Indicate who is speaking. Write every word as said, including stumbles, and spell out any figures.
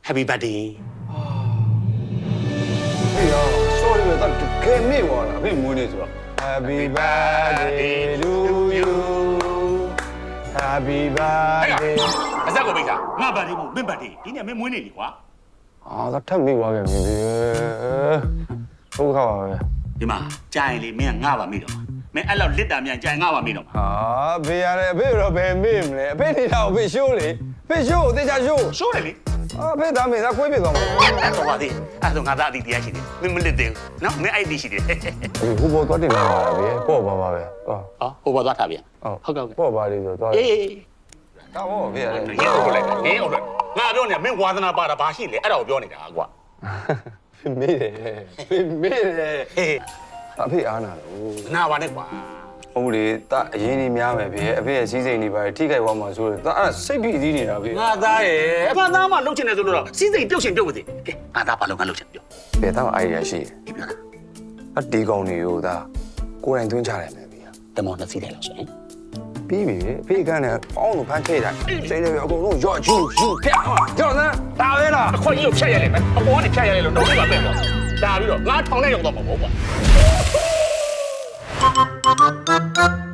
Speaker 1: Happy birthday
Speaker 2: 哎呀 sorry ပဲဒါကဲမေ့သွားတာဖေမွေးနေဆိုတော့ Happy birthday to you Happy birthday
Speaker 1: အစက်ကိုပိတ်တာငါ birthday မို့မင်း birthday ဒီနေ့မင်းမွေးနေပြီကွာ
Speaker 2: အာဒါထပ်မေ့သွားခဲ့ပြီဟုတ်ခါပါပဲ
Speaker 1: ဒီမှာကြာရင်လေမင်းကငါပါမိတော့မင်းအဲ့လောက်လစ်တာမြန်ကြာရင်ငါပါမိတော့
Speaker 2: ဟာဘေးရတယ်အဖေတော့ဘယ်မေ့မလဲအဖေနေတာအဖေရှိုးလေအဖေရှိုးတေချာရှိုး
Speaker 1: ရှိုးတယ်လေ
Speaker 2: အဖေသားမေသားခွေးပြသွားမှာ
Speaker 1: အဲ့တော့ပါသေးအဲ့တော့ငါသားအတီးတရားရှိတယ်မင်းမလစ်သေးဘူးနော်မင်းအဲ့ဒီရှိတယ်
Speaker 2: ဒီဟိုဘောသွားတင်လာတာပဲပေါ့ပါပါပဲဟော
Speaker 1: ဟောဟိုဘောသွားထားပြန်
Speaker 2: ဟုတ်ကဲ့ပေါ့ပါလေးဆိုတော့
Speaker 1: အေး
Speaker 2: ဒါဘောဖေရတယ်
Speaker 1: ရေဟုတ်လိုက်ရေဟုတ်လိုက်ငါပြောနေတာမင်းဝါသနာပါတာဘာရှိလဲအဲ့ဒါကိုပြောနေတာကွာ
Speaker 2: ဖေမေ့တယ်ဖေမေ့တယ်
Speaker 1: ဟေး
Speaker 2: အဖေအားနာလို့
Speaker 1: နာပါနဲ့ကွာ
Speaker 2: ဟုတ်လေတာအရင်ကြီးများမယ်ဖေအဖေရဲ့စီးစိမ်တွေပါထိခိုက်သွားမှာဆိုတော့တာအဲ့စိတ်ဖိစီးနေတာဖေ
Speaker 1: ငါသားရဲ့အဖသားမှလှုပ်ချင်တယ်ဆိုတော့စီးစိမ်ပြုတ်ချင်ပြုတ်ပါစေကဲငါသားဘာလို့ငါလှုပ်ချင်ပြော
Speaker 2: ဖေတော့အိုင်ဒီယာရှိတယ်
Speaker 1: ဒီပြောတာ
Speaker 2: အတီကောင်တွေကိုဒါကိုယ်တိုင်သွင်းချတယ်မယ်ဖေ
Speaker 1: တမောင်းနှစ်စီးတယ်လို့ဆိုရင်
Speaker 2: ပြီးပြီဖေကန်းနဲ့ပေါင်းလို့ဖမ်းထည့်တာစိတ်တွေအကုန်လုံးရော့ယူယူဖျက်ကြောက်စမ်းဒါပဲလား
Speaker 1: အခွင့်အရေးကိုဖြတ်ရလိမ့်မယ်အပေါ်ကနေဖြတ်ရလိမ့်လို့တော့ပြပါပဲပေါ့ဒါပြီးတော့ငါထောင်နဲ့ရောက်တော့မှာပေါ့ကွာ